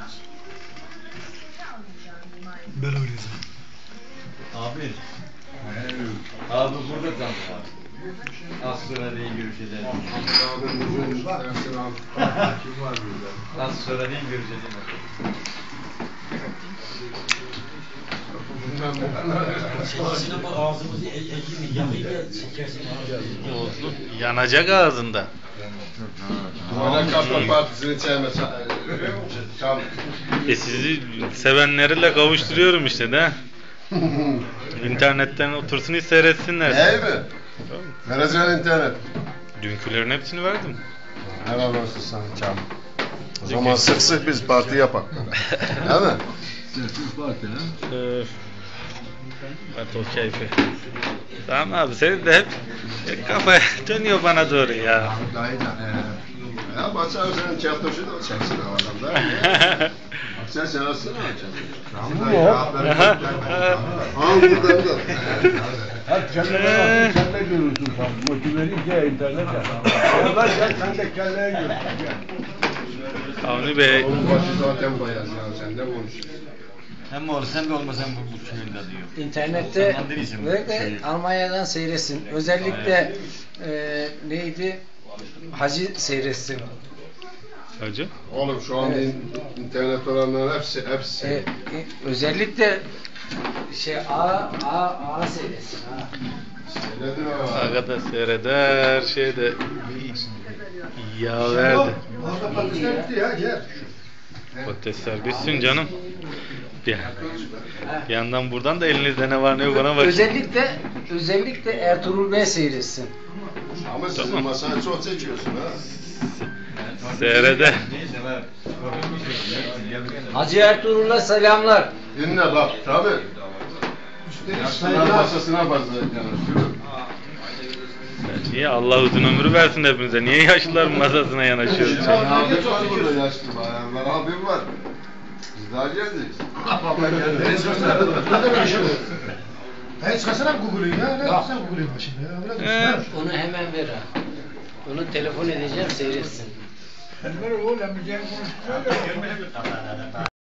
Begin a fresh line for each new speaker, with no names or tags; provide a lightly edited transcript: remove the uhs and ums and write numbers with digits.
Ben oynayacağım.
Abi. Abi burada tam var. Az sonra değil görüşeceğiz. Az sonra değil görüşeceğiz.
Sesine bak, ağzımızı elini yakıyla çekersin ağzımızı.
Olsun. Yanacak ağzında.
Bana Kaptan Partisi'ni çağırma.
Sizi sevenleriyle kavuşturuyorum işte de. İnternetten otursun hiç seyretsinler.
İyi mi? Vereceğin internet.
Dünkülerin hepsini verdim.
Helal olsun sana Çam. O zaman sık sık biz parti yapak. Değil mi?
Evet o keyfi. Tamam abi senin de hep kafa dönüyor bana doğru ya.
Ya Batsal senin çarptoşu da çeksin havadan da. Sen seversin mi çarptoşu? Buradan da.
Hep kelleye bak, kelle görürsün sen. Motiveli internete. Onlar gel, sen de kelleye görürsün.
Avni Bey.
Onun başı zaten bayaz ya, sen de konuş.
Hem olsa hem de olmasa bu köyünde diyor.
İnternette
Zaman değilsin bu
ve de
şey.
Almanya'dan seyretsin. Özellikle neydi? Hacı seyretsin.
Hacı.
Oğlum şu anda internet olanların hepsi.
Özellikle A seyretsin. Ha.
Seyredin ha.
Aga da seyreder şeyde yağ verdi.
Orada patatesler bitti ya, gel.
Patatesler bitsin canım. Bir yandan buradan da elinizde ne var ne yok ona bak.
Özellikle Ertuğrul Bey seyretsin.
Ama sizin
Tamam.
masayı çok çekiyorsun ha.
Seyreder.
Hacı Ertuğrul'a selamlar.
Dinle bak tabi. Yaşlılar masasına fazla yanaşıyor.
Niye Allah uzun ömrü versin hepimize? Niye yaşlıların masasına yanaşıyoruz?
Abim var burada yaşlı bayanlar. Abim var. Biz daha geldik. Baba geldi.
Hayır çıkarsana Google'u ya. Ne yapsan Google'u başında ya. Öyle dursun ha.
Onu hemen ver ha. Onu telefon edeceğim seyretsin.
Sen ver oğlum, ben bir şey konuşturuyor ya.